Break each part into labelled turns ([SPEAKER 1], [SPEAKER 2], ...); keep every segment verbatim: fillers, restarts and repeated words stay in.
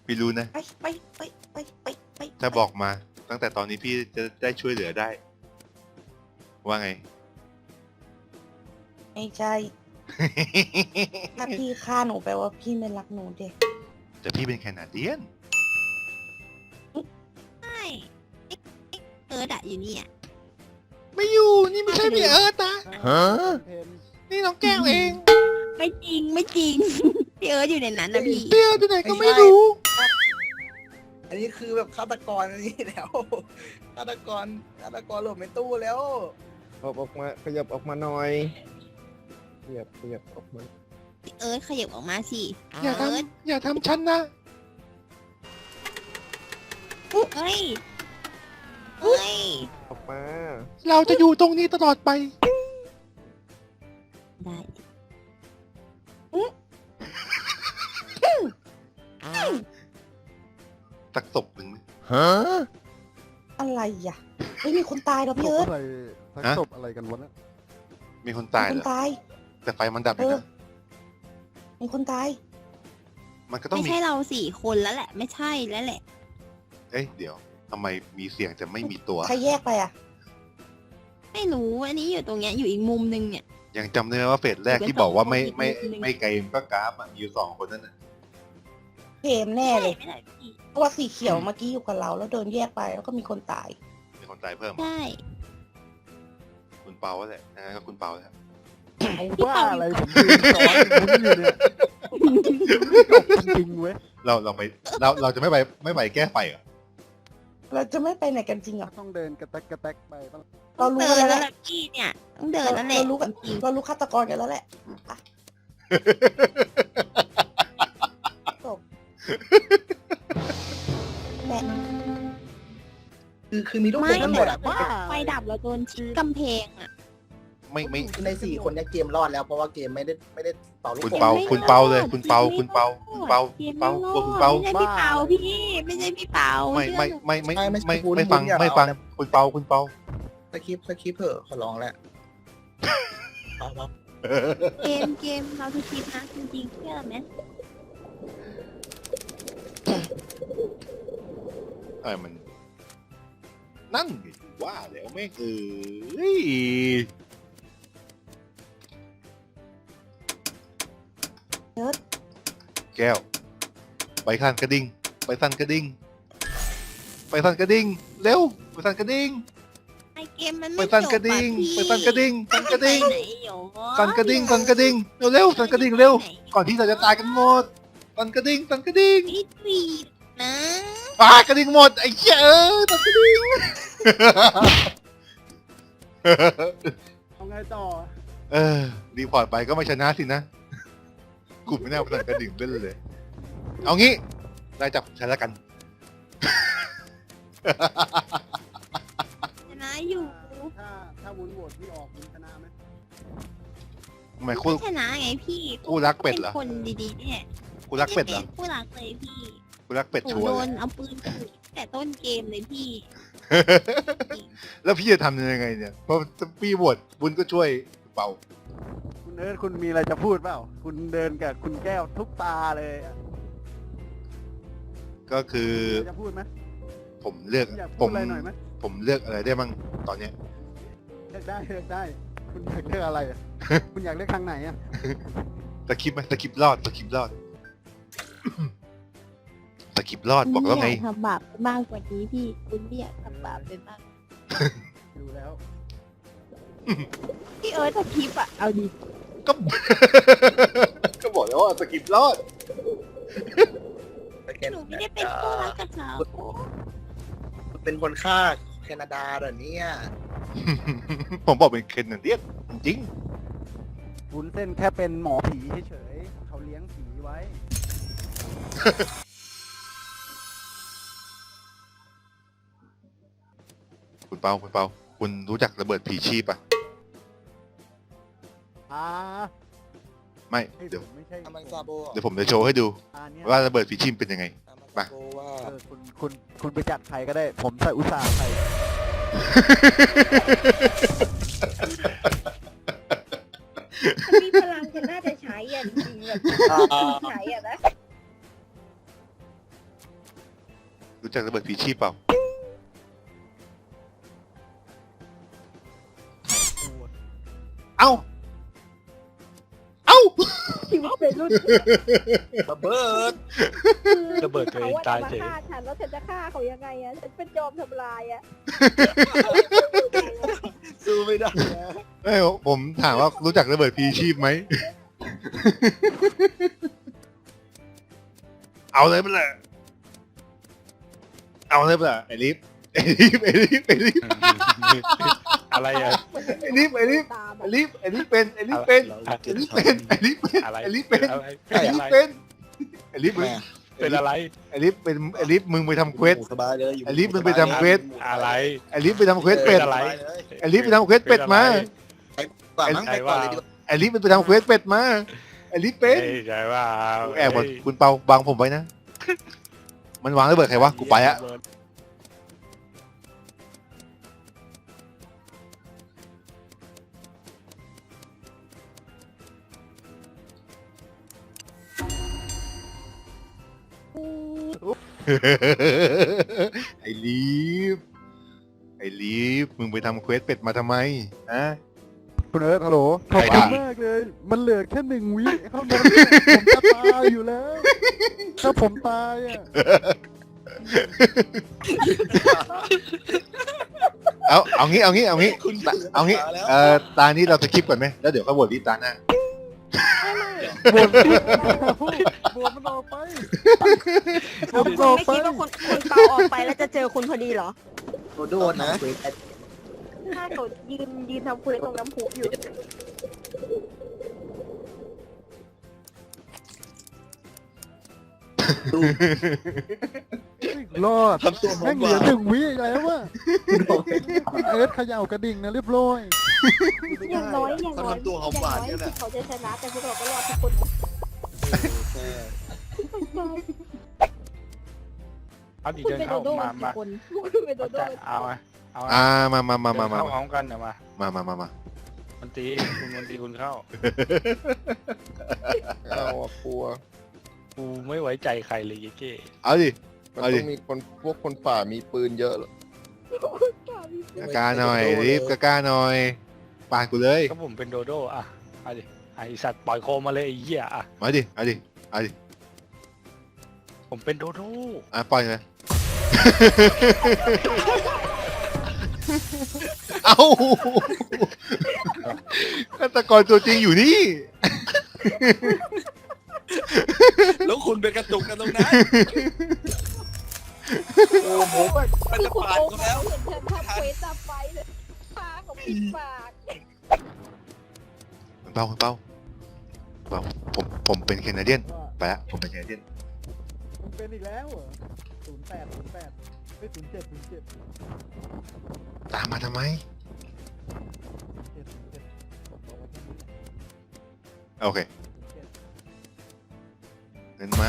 [SPEAKER 1] พี่รู้นะ
[SPEAKER 2] ไปไปไปไปไปไป
[SPEAKER 1] ถ้าบอกมาตั้งแต่ตอนนี้พี่จะได้ช่วยเหลือได้ ว่าไง
[SPEAKER 2] ไม่ใช่ถ้าพี่ฆ่าหนูแปลว่าพี่ไม่รักหนูเด็ก
[SPEAKER 1] แต่พี่เป็นแคนาเดียน
[SPEAKER 3] ใช่เอิร์ดอะอยู่นี่อะ
[SPEAKER 1] ไม่อยู่นี่ไม่ใช่พี่เอิร์ธนะฮะนี่น้องแก้วเอง
[SPEAKER 3] ไม่จริงไม่จริง พี่เอิร์ดอยู่ในนั้นนะพี่
[SPEAKER 1] เปี้ยวที่ไหนก็ไม่รู้
[SPEAKER 4] อันนี้คือแบบฆาตกรอันนี้แล้วฆาตกรฆาตกรหลบในตู้แล้ว
[SPEAKER 5] ออกออกมาขยับออกมาหน่อยขยับขยับออกมา
[SPEAKER 3] พี่เอิร์ดขยับออกมาสิ
[SPEAKER 1] อย่า
[SPEAKER 3] เอิร์ด
[SPEAKER 1] ทำอย่าทำฉันนะ
[SPEAKER 3] เฮ้ยเฮ้ย
[SPEAKER 5] ออกมา
[SPEAKER 1] เราจะอยู่ตรงนี้ตลอดไป
[SPEAKER 3] ได้
[SPEAKER 1] สักศพหนึ่งไหม
[SPEAKER 5] ฮะ
[SPEAKER 2] อะไรอ่ะไม่มีคนตายหรอ
[SPEAKER 6] ศ
[SPEAKER 2] พี่
[SPEAKER 6] พ
[SPEAKER 2] เอิร์ธ
[SPEAKER 6] อะไรทั้ง
[SPEAKER 1] ฮะ
[SPEAKER 6] ศพอะไรกันวะเนี่ย
[SPEAKER 1] มีคน
[SPEAKER 2] มี
[SPEAKER 1] ตาย
[SPEAKER 2] ค
[SPEAKER 1] เห
[SPEAKER 2] น
[SPEAKER 1] รอ
[SPEAKER 2] ตาย
[SPEAKER 1] แต่ไฟมันดับอ
[SPEAKER 2] เอยู่ อ
[SPEAKER 1] นะ
[SPEAKER 2] มีคนตาย
[SPEAKER 1] มันก็ต้อง
[SPEAKER 3] ไม่
[SPEAKER 1] มี
[SPEAKER 3] ใช่เราสี่คนแล้วแหละ ไม่ใช่แล้วแหละ
[SPEAKER 1] เอ๊ะเดี๋ยวทำไมมีเสียงแต่ไม่มีตัว
[SPEAKER 2] ใครแยกไปอ่ะ
[SPEAKER 3] ไม่รู้อันนี้อยู่ตรงเนี้ยอยู่อีกมุมนึงเนี่ย
[SPEAKER 1] ยังจำได้ไหมว่าเฟสแรกที่บอกว่าไม่ไม่ไม่เกมก็กราฟอ่ะมีอยู่สองคนนั่นน่ะ
[SPEAKER 2] เกมแน่เลย
[SPEAKER 3] ไม่ได้พี่
[SPEAKER 2] เพราะว่าสีเขียวเมื่อกี้อยู่กับเราแล้วเดินแยกไปแล้วก็มีคนตาย
[SPEAKER 1] มีคนตายเพิ่ม
[SPEAKER 3] ใช่
[SPEAKER 1] คุณเปาแหละนะก็คุณเปาแหละ
[SPEAKER 6] ว่าอะไรผมยืนซ้อนมุ้นอยู่เนี่ยจบจริงๆเว้ย
[SPEAKER 1] เราเราไปเราเราจะไม่ไปไม่ไปแก้ไฟเหรอ
[SPEAKER 2] เราจะไม่ไปไหนกันจริงเหรอ
[SPEAKER 6] ต้องเดินกระแตกกระแตกไปต้อง
[SPEAKER 2] เรารู้
[SPEAKER 3] เดิ
[SPEAKER 2] กัน น
[SPEAKER 3] แล้
[SPEAKER 2] แล้ว วแห
[SPEAKER 3] แห
[SPEAKER 2] ละ
[SPEAKER 3] ละพี่เนี่ยต้องเดินแล้วแหละ
[SPEAKER 2] เรารู้กัน
[SPEAKER 3] จริง
[SPEAKER 2] เรารู้ฆาตกรกันแล้วแหละอ่ะจบแม่
[SPEAKER 4] คือคือมีทุก
[SPEAKER 3] ๆ
[SPEAKER 4] ค
[SPEAKER 3] ไม่
[SPEAKER 4] นทั้งหม
[SPEAKER 3] แต่
[SPEAKER 4] ดอะ
[SPEAKER 3] ไฟดับเราโดนชิดกำแพงอะ
[SPEAKER 1] ไม่ไม่
[SPEAKER 4] คือในสี่คนเนี้เกมรอดแล้วเพราะว่าเกมไม่ได้ไม่ได้เป่าลูก
[SPEAKER 1] คุณ
[SPEAKER 4] โป่ง
[SPEAKER 1] เปาคุณเปาเลย คุณเปาคุณเปาคุณเปาคุณเปาตัวคุณเปา
[SPEAKER 3] ไม่ใช่พี่เปาพี่ไม่ใช่พี่เปา
[SPEAKER 1] ไม่ไม่ไม่ไม่
[SPEAKER 4] ไม่
[SPEAKER 1] ไม่
[SPEAKER 4] ไม่
[SPEAKER 1] ไม่ไม่ฟังไม่ฟังคุณเปาคุณเปา
[SPEAKER 4] สคริปต์สคริปต์เถอะขอร้องแหละเอาเอา
[SPEAKER 3] เกมเกมเราทุกทีนะจริงๆเชื่อไหม
[SPEAKER 1] เอ้ยมัน นั่นดิว่าแล้วไม่งเอ้ย
[SPEAKER 2] เอิร์ธ
[SPEAKER 1] แก้ว ไปสั่นกระดิ่งไปสั่นกระดิ่งไปสั่นกระดิ่งเร็วไปสั่นกระดิ่ง
[SPEAKER 3] ไอเกมมัน
[SPEAKER 1] ไป
[SPEAKER 3] ไม่
[SPEAKER 1] สั่น
[SPEAKER 3] จบ
[SPEAKER 1] กระดิ่ง
[SPEAKER 3] อะพี่
[SPEAKER 1] ไปสั่นกระดิ่งสั่นกระดิ่ง
[SPEAKER 3] ไปไหนโย
[SPEAKER 1] สั่นกระดิ่งสั่นกระดิ่งเร็วเร็วสั่นกระดิ่งเร็วก่อนที่เราจะตายกันหมดสั่นกระดิ่งสั่นกระดิ่ง
[SPEAKER 3] พี่ปีดนะ
[SPEAKER 1] ตายกระดิ่งหมดไอ้เหี้ยเออสั่นกระดิ่ง
[SPEAKER 6] เอาไงต่อ
[SPEAKER 1] เออรีพอร์ตไปก็ไม่ชนะสินะกูไม่น่าไปสั่นกระดิ่งเล่นเลย เอางี้ได้จับฉันแล้วกัน
[SPEAKER 3] ชนะอยู่
[SPEAKER 6] ถ้าถ้าวุ้นโหวตที่ออกวุ้นชนะไหม
[SPEAKER 1] ทำไมคู่
[SPEAKER 3] ไม่ชนะไงพี่
[SPEAKER 1] คู่รักเป็ดเหรอ
[SPEAKER 3] นคนดีๆเนี่ย
[SPEAKER 1] คู่รักเป็ดเหรอ
[SPEAKER 3] คู่รักเลยพี่
[SPEAKER 1] คู่รักเป็ด
[SPEAKER 3] หนู
[SPEAKER 1] ชัวร์
[SPEAKER 3] โด
[SPEAKER 1] เลย
[SPEAKER 3] นเอาปืนขู่แต่ต้นเกมเลยพี่
[SPEAKER 1] แล้วพี่จะทำยังไงเนี่ย เพราะพี่บวชบุญก็ช่วยเป่า
[SPEAKER 6] คุณเอิร์ธคุณมีอะไรจะพูดเปล่า คุณเดินกับคุณแก้วทุกตาเลยอะ
[SPEAKER 1] ก็คือ
[SPEAKER 6] มีอะไรจะพูดไหม
[SPEAKER 1] ผมเลือก
[SPEAKER 6] อยาก
[SPEAKER 1] ผ
[SPEAKER 6] พูด
[SPEAKER 1] ม
[SPEAKER 6] อะไรหน่อยไหม
[SPEAKER 1] ผมเลือกอะไรได้บ้างตอนเนี้ย
[SPEAKER 6] เลือกได้เลือกได้ คุณอยากเลือกอะไรอะ คุณอยากเลือกทางไหนอะ
[SPEAKER 1] สคริปต์ไหมสคริปต์รอดสคริปต์รอด สคริปต์รอดบอกแล้วไง
[SPEAKER 3] คุณม่ยากทำบาปมากกว่านี้พี่ คุณไม่อยากทำบาปเป็นมาก
[SPEAKER 6] ดูแล้ว
[SPEAKER 3] พี่เอิร์ธทำคลิปอะเอาดิ
[SPEAKER 1] ก็ ก็บอกแล้วว่าสคริปต์รอด
[SPEAKER 3] หนูไม่ได้เป็นคู่รักกับเขา
[SPEAKER 4] เป็นคนฆ่าแคนาดาเหรอเนี่ย
[SPEAKER 1] ผมบอกเป็นเคนนันเดียนจริง
[SPEAKER 6] วุ้นเส้นแค่เป็นหมอผีเฉยๆเขาเลี้ยงผีไว้
[SPEAKER 1] ๆคุณเปาคุณเปาคุณรู้จักระเบิดผีชีพปะ
[SPEAKER 6] อ่า
[SPEAKER 1] ไม่
[SPEAKER 6] ไอ้
[SPEAKER 1] เดี๋ยว
[SPEAKER 6] ผมไม่ใช่
[SPEAKER 4] อามันซาโบเหรอ
[SPEAKER 1] เดี๋ยวผมจะโชว์ให้ดู
[SPEAKER 6] อันเนี้ย
[SPEAKER 1] ว่าระเบิดผีชีพเป็นยังไง
[SPEAKER 4] อามันซาโบว่า
[SPEAKER 6] เออคุณคุณคุณไปจัดใครก็ได้ ผมใส่อุตสาห์ใส่
[SPEAKER 7] มีพลังจะน่าจะใช้อ่ะจริงๆแบบใช้อ่ะนะ
[SPEAKER 1] รู้จักระเบิดผีชีพเปล่า เอ้า เอ้า
[SPEAKER 7] ชีวิตเป็นรุ่น
[SPEAKER 4] ระเบิด
[SPEAKER 8] ระเบิดตัวเองตายเฉย
[SPEAKER 7] ขว่จะมฆ่าฉันแล้วฉันจะฆ่าเขายังไงอะฉันเป็นจอมทำลายอะ
[SPEAKER 4] สู้ไม่ได้นะ
[SPEAKER 1] เอ้ยผมถามว่ารู้จักระเบิดผีชีพไหม เอาเลยมันแหละเอาเลยมันแหละไอ้ลิฟไอ้ลิฟไอ้ลิฟไอ้ลิฟ
[SPEAKER 8] อะไรอะ
[SPEAKER 1] ไอ้ลิฟไอ้ลิฟ
[SPEAKER 7] ตาม
[SPEAKER 1] ไอ้ลิฟไอ้ลิฟเป็นไอ้ลิฟเป็นไอ้ลิฟเป็นไอ้ลิฟเป็น
[SPEAKER 8] อะไร
[SPEAKER 1] ไอ้ลิฟเป็น
[SPEAKER 8] อะไร
[SPEAKER 1] ไอ้ลิฟเป็นไอ้ลิฟมึง
[SPEAKER 8] เป็นอะไร
[SPEAKER 1] ไอ้ลิฟเป็นไอ้ลิฟมึงไปทำเควส
[SPEAKER 4] สบายเลยอยู่
[SPEAKER 1] ไอ้ลิฟมันไปทำเควส
[SPEAKER 8] อะไร
[SPEAKER 1] ไอ้ลิฟไปทำเควสเป็ด
[SPEAKER 8] อะไร
[SPEAKER 1] ไอ้ลิฟไปทำเควสเป็ดมา
[SPEAKER 4] กว่ามั้งไปก่อนเลยดีกว่า
[SPEAKER 1] ไอ้ลิฟมันไปทำเควสเป็ดมาไอ้ลิฟเป็น
[SPEAKER 8] เฮ้ยใช่ว่า
[SPEAKER 1] แอบบอกคุณเปาบังผมไว้นะ มันวางระเบิดใครวะกูไปอะ ไอ้ลีฟไอ้ลีฟมึงไปทำเควสเป็ดมาทำไมฮะ
[SPEAKER 6] คุณเอิร์ธฮัลโหลขอบ
[SPEAKER 1] ใคร
[SPEAKER 6] คุณ
[SPEAKER 1] ด่า
[SPEAKER 6] มากเลย มันเหลือแค่หนึ่งวิเท่านั้นผมจะตายอยู่แล้ว ถ้าผมตายอ่ะ
[SPEAKER 1] เอาเอางี้เอางี้เอางี้
[SPEAKER 4] คุณ
[SPEAKER 1] เอางี้เอ่อตานี้เราจะคลิปก่อนไหมแล้วเดี๋ยวเขาบทที่ตาหน้า
[SPEAKER 6] บวชบวชมันออกไปบวช
[SPEAKER 2] คุ
[SPEAKER 6] มัน
[SPEAKER 2] ณ
[SPEAKER 6] ออก
[SPEAKER 2] ไม่
[SPEAKER 6] ไป
[SPEAKER 2] คิดว่าคุณคุณเปาออกไปแล้วจะเจอคุณพอดีเหรอ
[SPEAKER 4] โดนนะ
[SPEAKER 7] ถ้าเขายืนยืนทำคุยตรงน้ำพุอยู่
[SPEAKER 6] รอด
[SPEAKER 4] ทำตัวหอ
[SPEAKER 6] แม่
[SPEAKER 4] ม
[SPEAKER 6] ง
[SPEAKER 4] ห
[SPEAKER 6] เหลื
[SPEAKER 4] วา
[SPEAKER 6] อน หนึ่งวิแล้วว่ะคุณเอิร์ธเขย่ากระดิ่งนะเรียบร้อย
[SPEAKER 7] อย่างน้อยอย่าง
[SPEAKER 4] เขา
[SPEAKER 7] น้อย
[SPEAKER 4] ทำตัวหอมหวาน
[SPEAKER 7] อย่
[SPEAKER 4] เนี่
[SPEAKER 7] ง
[SPEAKER 4] ย
[SPEAKER 7] น้อย
[SPEAKER 4] แหละ
[SPEAKER 7] ที่เขาจะชนะแต่พวกเราก็รอดทุกคน
[SPEAKER 8] เอาดิ
[SPEAKER 7] คุณ
[SPEAKER 8] เดิน
[SPEAKER 7] เป็นโด
[SPEAKER 8] เข้า
[SPEAKER 7] โด้
[SPEAKER 8] มา
[SPEAKER 7] กี่
[SPEAKER 8] มา
[SPEAKER 7] คนคุณเป็นโดโด้
[SPEAKER 8] เอาไงเอาไง
[SPEAKER 1] อ่ามามามามามา
[SPEAKER 8] เดินเข้าพร้อมกันเดี๋ยวมา
[SPEAKER 1] มามามามา
[SPEAKER 8] มันตีคุณมันตีคุณเข้า
[SPEAKER 5] เอาอะกลัว
[SPEAKER 8] กูไม่ไว้ใจใครเลยยี่เก้
[SPEAKER 1] เอาดิ
[SPEAKER 5] มัน
[SPEAKER 1] เอาดิ
[SPEAKER 5] ต้องมีคนพวกคนป่ามีปืนเยอะ
[SPEAKER 1] กล้าหน่อยรีบกล้าหน่อยปาดกูเลย
[SPEAKER 8] ก็ผมเป็นโดโด้อะเอาดิไอสัตว์ปล่อยโคมมาเลยไอ้เหี้ยอะ
[SPEAKER 1] มาดิเอาดิเอาดิ
[SPEAKER 8] ผมเป็นโดโด้
[SPEAKER 1] อ่ะปล่อยเลยเอ้าฆาตกรตัวจริงอยู่นี่
[SPEAKER 4] แล้วคุณเป็นกระตุกกันตรงนั้นโอ้โหมันจะปาดกูแล้ว
[SPEAKER 7] เห็นฉันทำเควสจับไฟเลยปากของปิดปาก
[SPEAKER 1] เปาเปาเปาผมผมเป็นแคนาเดียนไปละผมเป็นแคนาเดียน
[SPEAKER 6] มันเป็นอีกแล้วเหรอศูนย์แปดศูนย์แปดไม่ศูนย์เจ็ดศูนย์เจ็ด
[SPEAKER 1] ตามมาทำไม
[SPEAKER 6] เจ็ดศูนย์เจ็ดบอกว่าที่นี่
[SPEAKER 1] โอเค
[SPEAKER 6] ศูนย์เจ็ด
[SPEAKER 1] เงินมา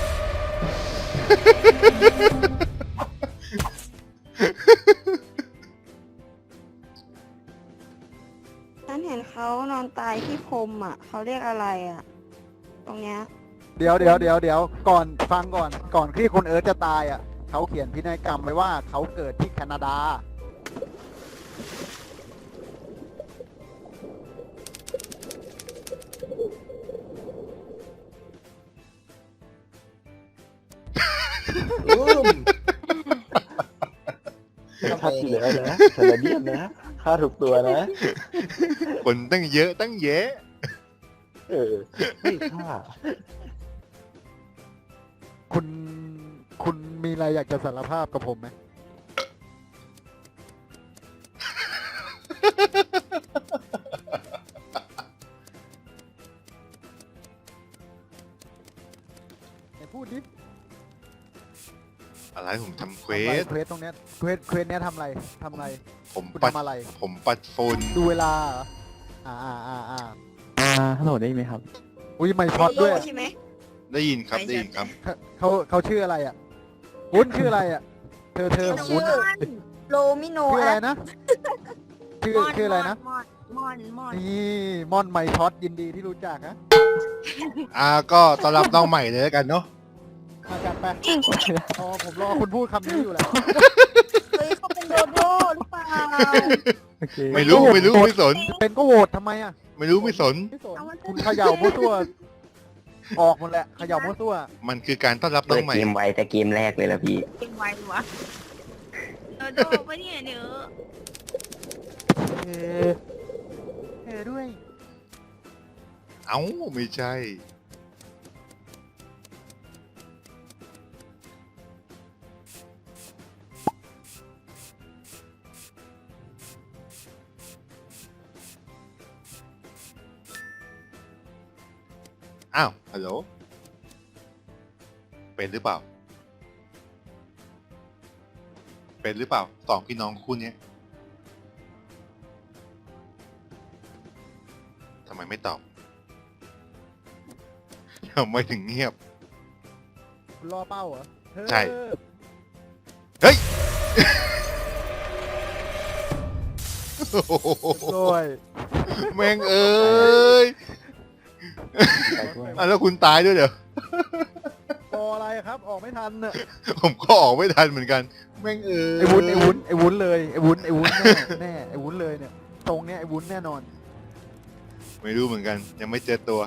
[SPEAKER 2] ฉันเห็นเขานอนตายที่พรมอ่ะ เขาเรียกอะไรอ่ะ ตรงเนี้ย
[SPEAKER 6] เดี๋ยวเดี๋ยวเดี๋ยวเดี๋ยวก่อนฟังก่อนก่อนที่คุณเอิร์ธจะตายอ่ะเขาเขียนพินัยกรรมไว้ว่าเขาเกิดที่แคนาดา
[SPEAKER 5] ชัดอยู่แล้วนะแคนาเดียนนะค่าถูกตัวนะ
[SPEAKER 1] คนตั้งเยอะตั้งแยะ
[SPEAKER 5] เออไม่ค่า
[SPEAKER 6] คุณคุณมีอะไรอยากจะสารภาพกับผมไหมไหนพูดดิ
[SPEAKER 1] อะไรผมทำเคว
[SPEAKER 6] ทำอะไร
[SPEAKER 1] ส
[SPEAKER 6] เควสตรงเนี้ยเควสเควสเนี้ยทำอะไรทำอะไร
[SPEAKER 1] ผม
[SPEAKER 6] คุณ
[SPEAKER 1] ปัด
[SPEAKER 6] ทำอะไร
[SPEAKER 1] ผมปัดฝุ่น
[SPEAKER 6] ดูเวลาเหรออ่าอ่าอ่าอ่า
[SPEAKER 5] อ่าฮัลโหลได้ไหมครับ
[SPEAKER 6] อุ้ยไม่ช็อตด้วย
[SPEAKER 2] ใช่ไหม
[SPEAKER 1] ได้ยินครับได้ยินครับ
[SPEAKER 6] เขาเขาชื่ออะไรอ่ะวุ้นชื่ออะไรอ่ะ เธอเธอของวุ้น
[SPEAKER 2] โลมิโน
[SPEAKER 6] ชื่ออะไร
[SPEAKER 2] แอป
[SPEAKER 6] นะ ชื่อชื่ออะไรนะ
[SPEAKER 2] มอนมอนมอน
[SPEAKER 6] นี่ม่อนไม่ช็อตยินดีที่รู้จักนะ
[SPEAKER 1] อ่าก็ต้อนรับน้องใหม่เลยแล้วกันเนาะ
[SPEAKER 6] มาจัดไปอ๋อผมรอคุณพูดคำนี้อยู่แล้ว
[SPEAKER 2] เฮ้ยเขาเป็นโดโดหรือเปล่า
[SPEAKER 6] โอเค
[SPEAKER 1] ไม่รู้ไม่รู้ไม่สน
[SPEAKER 6] เป็นก็โหวตทำไมอ่ะ
[SPEAKER 1] ไม่รู้ไม่สน
[SPEAKER 6] ไม่สนคุณเขย่ามั่วซั่วออกหมดแหละเขย่ามั่วซั่ว
[SPEAKER 1] มันคือการต้อนรับน้
[SPEAKER 9] เปิ
[SPEAKER 1] อ
[SPEAKER 9] ด
[SPEAKER 1] งใหม่
[SPEAKER 9] เกมไว้แต่เกมแรกเลยละพี่
[SPEAKER 7] เป็นไววะ
[SPEAKER 3] โดโดปะเนี่ยเนื้อ
[SPEAKER 6] เอเอด้วย
[SPEAKER 1] เอ้าไม่ใช่ อ้าว ฮัลโหล เป็นหรือเปล่า เป็นหรือเปล่า สองพี่น้องคู่เนี้ยทำไมไม่ตอบ ทำไมถึงเงียบ
[SPEAKER 6] คุณรอเป้าเหรอเธอ
[SPEAKER 1] ใช่ เฮ้ย
[SPEAKER 6] ด้วย
[SPEAKER 1] แม่งเอ้ยอ่ะแล้วคุณตายด้วยเหรอ
[SPEAKER 6] รออะไรครับ ออกไม่ทันเนอะ
[SPEAKER 1] ผมก็ออกไม่ทันเหมือนกัน แม่งเอ้ย
[SPEAKER 6] ไอ้วุ้นไอ้วุ้นไอ้วุ้นเลยไอ้วุ้นไอ้วุ้นแน่แน่ไอ้วุ้นเลยเนี่ยตรงเนี้ยไอ้วุ้นแน่นอน
[SPEAKER 1] ไม่รู้เหมือนกัน ยังไม่เจอตัว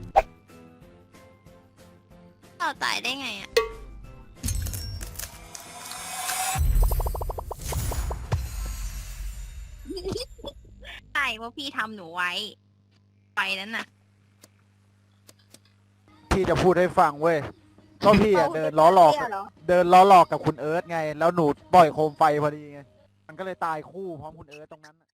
[SPEAKER 3] เราตายได้ไงอ่ะ ตายเพราะพี่ทำหนูไว้ ไปนั้นน่ะ
[SPEAKER 6] พี่จะพูดให้ฟังเว้ยก็พี่อะเดินล้อหลอก
[SPEAKER 2] เหรอ
[SPEAKER 6] เดินล้อหลอกกับคุณเอิร์ธไง แล้วหนูปล่อยโคมไฟพอดีไง มันก็เลยตายคู่พร้อมคุณเอิร์ธตรงนั้น